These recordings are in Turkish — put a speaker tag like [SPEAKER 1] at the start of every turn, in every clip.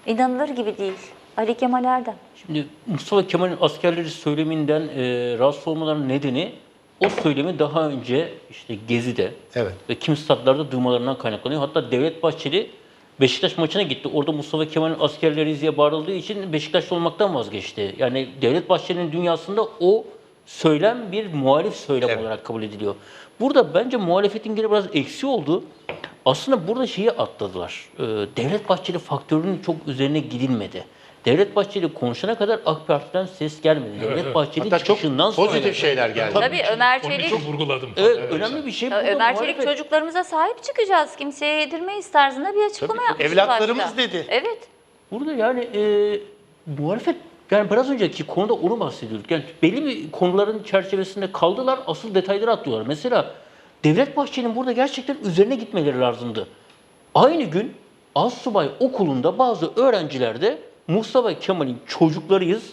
[SPEAKER 1] İnanılır gibi değil. Ali Kemal Erdem.
[SPEAKER 2] Şimdi Mustafa Kemal'in askerleri söyleminden rahatsız olmalarının nedeni o söylemi daha önce işte Gezi'de
[SPEAKER 3] Evet.
[SPEAKER 2] ve kimi statlarda duymalarından kaynaklanıyor. Hatta Devlet Bahçeli Beşiktaş maçına gitti. Orada Mustafa Kemal'in askerleri diye bağırıldığı için Beşiktaşlı olmaktan vazgeçti. Yani Devlet Bahçeli'nin dünyasında o söylem bir muhalif söylem
[SPEAKER 3] Evet.
[SPEAKER 2] olarak kabul ediliyor. Burada bence muhalefetin gene biraz eksi oldu. Aslında burada şeyi atladılar. Devlet Bahçeli faktörünün çok üzerine gidilmedi. Devlet Bahçeli konuşana kadar AK Parti'den ses gelmedi. Devlet Bahçeli
[SPEAKER 3] Hatta çok
[SPEAKER 2] çıkışından sonra
[SPEAKER 3] pozitif şeyler geldi.
[SPEAKER 1] Tabii Ömer
[SPEAKER 4] Onu
[SPEAKER 1] Çelik,
[SPEAKER 4] çok vurguladım.
[SPEAKER 2] Evet, önemli bir şey. Burada
[SPEAKER 1] Ömer Çelik
[SPEAKER 2] muhalefet-
[SPEAKER 1] çocuklarımıza sahip çıkacağız, kimseye yedirmeyiz tarzında bir açıklama yapmıştı
[SPEAKER 3] Evlatlarımız
[SPEAKER 1] başta.
[SPEAKER 3] dedi.
[SPEAKER 1] Evet.
[SPEAKER 2] Burada yani muhalefet, yani biraz önceki konuda onu bahsediyorduk. Yani belli bir konuların çerçevesinde kaldılar, asıl detayları atlıyorlar. Mesela Devlet Bahçeli'nin burada gerçekten üzerine gitmeleri lazımdı. Aynı gün Assubay Okulu'nda bazı öğrenciler de Mustafa Kemal'in çocuklarıyız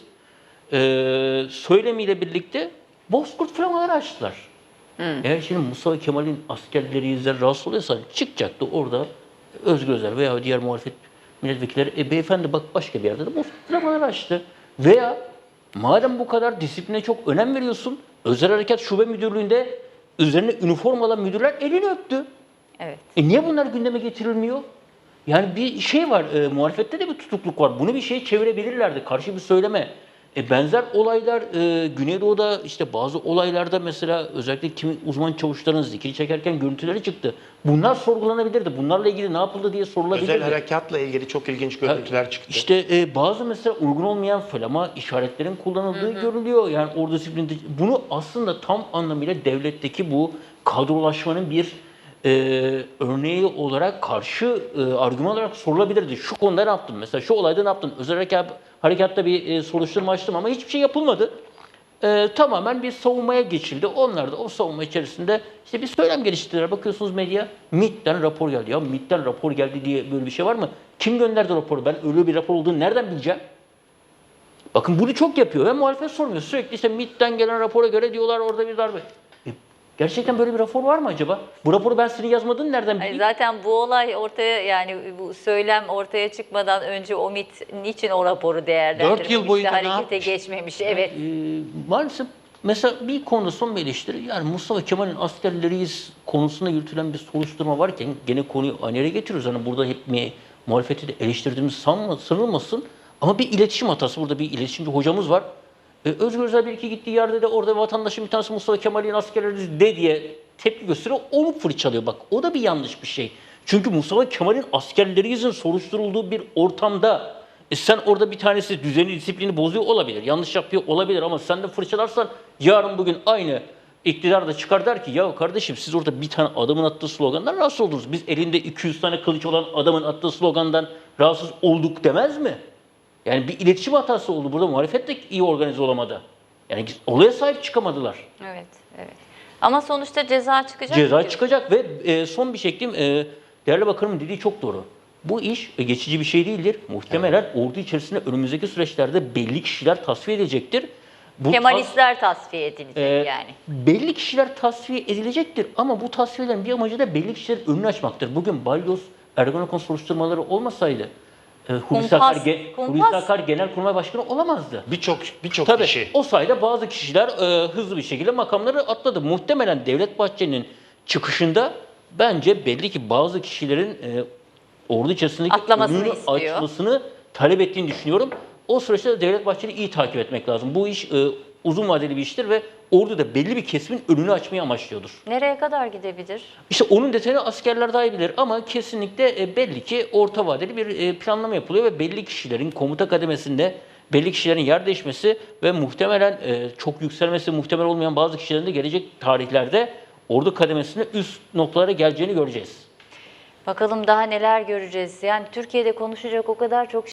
[SPEAKER 2] söylemiyle birlikte Bozkurt flamaları açtılar. Eğer şimdi Mustafa Kemal'in askerleri rahatsız oluyorsa çıkacaktı orada Özgür Özel veya diğer muhalefet milletvekilleri beyefendi bak başka bir yerde de Bozkurt flamaları açtı. Veya madem bu kadar disipline çok önem veriyorsun, Özel Harekat Şube Müdürlüğü'nde üzerine üniformalı müdürler elini öptü.
[SPEAKER 1] Evet.
[SPEAKER 2] Niye bunlar gündeme getirilmiyor? Yani bir şey var, muhalefette de bir tutukluk var. Bunu bir şeye çevirebilirlerdi, karşı bir söyleme. Benzer olaylar Güneydoğu'da işte bazı olaylarda mesela özellikle kimi uzman çavuşların zikri çekerken görüntüleri çıktı. Bunlar sorgulanabilirdi. Bunlarla ilgili ne yapıldı diye sorulabilirdi.
[SPEAKER 3] Özel harekatla ilgili çok ilginç görüntüler çıktı.
[SPEAKER 2] İşte bazı mesela uygun olmayan flama işaretlerin kullanıldığı görülüyor. Yani orada disiplinde bunu aslında tam anlamıyla devletteki bu kadrolaşmanın bir örneği olarak karşı argüman olarak sorulabilirdi. Şu konuda ne yaptın? Mesela şu olayda ne yaptın? Özel harekatta bir soruşturma açtım ama hiçbir şey yapılmadı. Tamamen bir savunmaya geçildi. Onlar da o savunma içerisinde işte bir söylem geliştirdiler. Bakıyorsunuz medya, MİT'ten rapor geldi. Ya MİT'ten rapor geldi diye böyle bir şey var mı? Kim gönderdi raporu? Ben öyle bir rapor olduğunu nereden bileceğim? Bakın bunu çok yapıyor ve muhalefet sormuyor. Sürekli işte MİT'ten gelen rapora göre diyorlar orada bir darbe. Gerçekten böyle bir rapor var mı acaba? Bu raporu ben senin yazmadığını nereden bileyim?
[SPEAKER 1] Zaten bu olay ortaya, yani bu söylem ortaya çıkmadan önce o MİT niçin o raporu değerlendirmemiş,
[SPEAKER 3] 4 yıl boyunca ne
[SPEAKER 1] harekete
[SPEAKER 3] yapmış?
[SPEAKER 1] geçmemiş. Evet.
[SPEAKER 2] Maalesef mesela bir konuda son bir eleştiri. Yani Mustafa Kemal'in askerleriyiz konusunda yürütülen bir soruşturma varken gene konuyu aynı yere getiriyoruz. Hani burada hep muhalefeti de eleştirdiğimiz sanılmasın. Ama bir iletişim hatası. Burada bir iletişimci hocamız var. Özgür Özel bir iki gittiği yerde de orada vatandaşın bir tanesi Mustafa Kemal'in askerleriyiz de diye tepki gösteriyor. Onu fırçalıyor. Bak o da bir yanlış bir şey. Çünkü Mustafa Kemal'in askerleriyizin soruşturulduğu bir ortamda sen orada bir tanesi düzeni, disiplini bozuyor olabilir. Yanlış yapıyor olabilir ama sen de fırçalarsan yarın bugün aynı iktidar da çıkar der ki ya kardeşim siz orada bir tane adamın attığı slogandan rahatsız oldunuz. Biz elinde 200 tane kılıç olan adamın attığı slogandan rahatsız olduk demez mi? Yani bir iletişim hatası oldu. Burada muhalefet de iyi organize olamadı. Yani olaya sahip çıkamadılar.
[SPEAKER 1] Evet, evet. Ama sonuçta ceza çıkacak.
[SPEAKER 2] Ceza
[SPEAKER 1] diyorsun.
[SPEAKER 2] çıkacak ve son bir şey ekleyeyim. Değerli Bakanım dediği çok doğru. Bu iş geçici bir şey değildir. Muhtemelen ordu içerisinde önümüzdeki süreçlerde belli kişiler tasfiye edilecektir. Bu
[SPEAKER 1] Kemalistler tasfiye edilecek yani.
[SPEAKER 2] belli kişiler tasfiye edilecektir ama bu tasfiyelerin bir amacı da belli kişilerin önünü açmaktır. Bugün Balyoz, Ergenekon soruşturmaları olmasaydı Hulusi Akar Genelkurmay Başkanı olamazdı.
[SPEAKER 3] Birçok
[SPEAKER 2] Tabii
[SPEAKER 3] kişi.
[SPEAKER 2] o sayede bazı kişiler hızlı bir şekilde makamları atladı. Muhtemelen Devlet Bahçeli'nin çıkışında bence belli ki bazı kişilerin ordu içerisindeki
[SPEAKER 1] Atlamasını
[SPEAKER 2] önünü
[SPEAKER 1] istiyor.
[SPEAKER 2] açmasını talep ettiğini düşünüyorum. O süreçte de Devlet Bahçeli'yi iyi takip etmek lazım. Bu iş uzun vadeli bir iştir ve ordu da belli bir kesimin önünü açmayı amaçlıyordur.
[SPEAKER 1] Nereye kadar gidebilir?
[SPEAKER 2] İşte onun detayını askerler daha iyi bilir ama kesinlikle belli ki orta vadeli bir planlama yapılıyor ve belli kişilerin komuta kademesinde belli kişilerin yer değişmesi ve muhtemelen çok yükselmesi muhtemel olmayan bazı kişilerin de gelecek tarihlerde ordu kademesinde üst noktalara geleceğini göreceğiz.
[SPEAKER 1] Bakalım daha neler göreceğiz. Yani Türkiye'de konuşacak o kadar çok